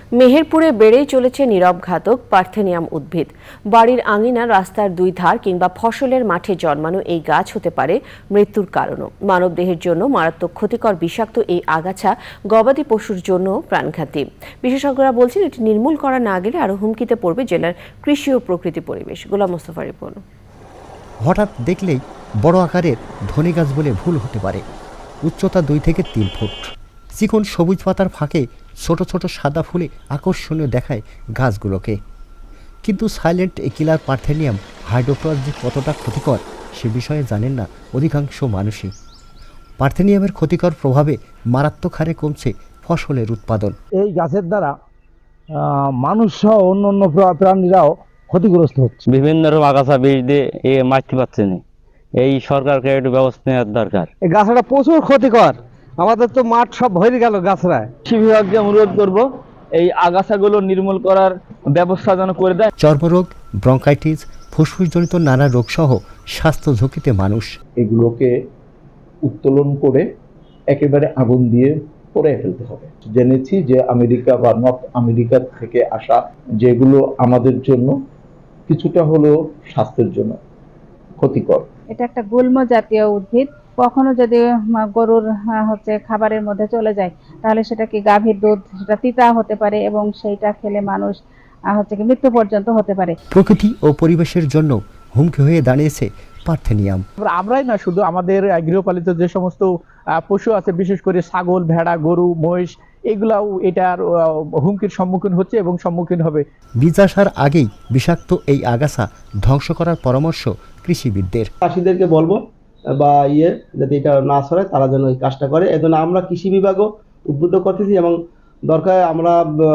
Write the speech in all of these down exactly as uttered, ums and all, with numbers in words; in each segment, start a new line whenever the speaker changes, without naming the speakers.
মেহেরপুরে বেড়েই চলেছে নীরব ঘাতক পার্থেনিয়াম উদ্ভিদ। বাড়ির আঙিনা, রাস্তার দুই ধার কিংবা ফসলের মাঠে জন্মানো এই গাছ হতে পারে মৃত্যুর কারণও। মানবদেহের জন্য মারাত্মক ক্ষতিকর বিষাক্ত এই আগাছা গবাদি পশুর জন্য প্রাণঘাতী। বিশেষজ্ঞরা বলছেন, এটি নির্মূল করা না গেলে আরও হুমকিতে পড়বে জেলার কৃষি ও প্রকৃতি পরিবেশ। গোলাম মোস্তফা রিপন।
হঠাৎ দেখলেই বড় আকারের ধনী গাছ বলে ভুল হতে পারে। উচ্চতা দুই থেকে তিন ফুট, চিকন সবুজ পাতার ফাঁকে ছোট ছোট সাদা ফুলে আকর্ষণীয় দেখায় গাছগুলোকে। কিন্তু সাইলেন্ট এ কিলার পার্থেনিয়াম হাইড্রোক্রস যে কতটা ক্ষতিকর সে বিষয়ে জানেন না অধিকাংশ মানুষই। পার্থেনিয়ামের ক্ষতিকর প্রভাবে মারাত্মক হারে কমছে ফসলের উৎপাদন।
এই গাছের দ্বারা মানুষ সহ অন্য অন্য প্রাণীরাও ক্ষতিগ্রস্ত হচ্ছে।
বিভিন্ন রকম আগাছা বীজ দিয়ে এ মারতে পারছে না। এই সরকারকে একটু ব্যবস্থা নেওয়ার দরকার।
এই গাছটা প্রচুর ক্ষতিকর, আমাদের তো মাঠ সব ভরে গেল গাছরা।
কৃষি বিভাগকে অনুরোধ করব এই আগাছাগুলো নির্মূল করার ব্যবস্থা যেন করে দেয়।
চর্মরোগ, ব্রঙ্কাইটিস, ফুসফুসজনিত নানা রোগ সহ স্বাস্থ্য ঝুঁকিতে মানুষ।
এগুলোকে উত্তোলন করে একেবারে আগুন দিয়ে পড়ে ফেলতে হবে। জেনেছি যে আমেরিকা বা নর্থ আমেরিকা থেকে আসা যেগুলো আমাদের জন্য কিছুটা হলেও স্বাস্থ্যের জন্য ক্ষতিকর।
এটা একটা গুল্ম জাতীয় উদ্ভিদ। কখনো যদি গরুর হচ্ছে খাবারের মধ্যে চলে যায় তাহলে সেটা কি গাভীর দুধ, সেটা তিতা হতে পারে এবং সেইটা খেলে মানুষ হচ্ছে কি মৃত্যু পর্যন্ত হতে পারে।
প্রকৃতি ও পরিবেশের জন্য হুমকি হয়ে দাঁড়িয়েছে পার্থেনিয়াম।
আমরাই না, শুধু আমাদের গৃহপালিত যে সমস্ত পশু আছে, বিশেষ করে ছাগল, ভেড়া, গরু, মহিষ, এগুলাও এটার হুমকির সম্মুখীন হচ্ছে এবং সম্মুখীন হবে।
বীজ আসার আগেই বিষাক্ত এই আগাছা ধ্বংস করার পরামর্শ কৃষিবিদদের।
চাষিদেরকে বলবো বা ইয়ে যাতে এটা না ছড়ায় তারা যেন এই কাজটা করে। এজন্য আমরা কৃষি বিভাগও উদ্বুদ্ধ করতেছি এবং দরকার আমরা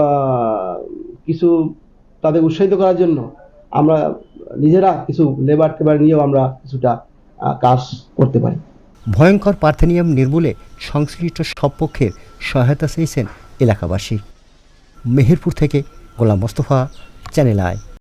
কিছু তাদের উৎসাহিত করার জন্য আমরা নিজেরা কিছু লেবার টেবার নিয়েও আমরা কিছুটা কাজ করতে পারি।
ভয়ঙ্কর পার্থেনিয়াম নির্মূলে সংশ্লিষ্ট সব পক্ষের সহায়তা চেয়েছেন এলাকাবাসী। মেহেরপুর থেকে গোলাম মোস্তফা, চ্যানেল আই।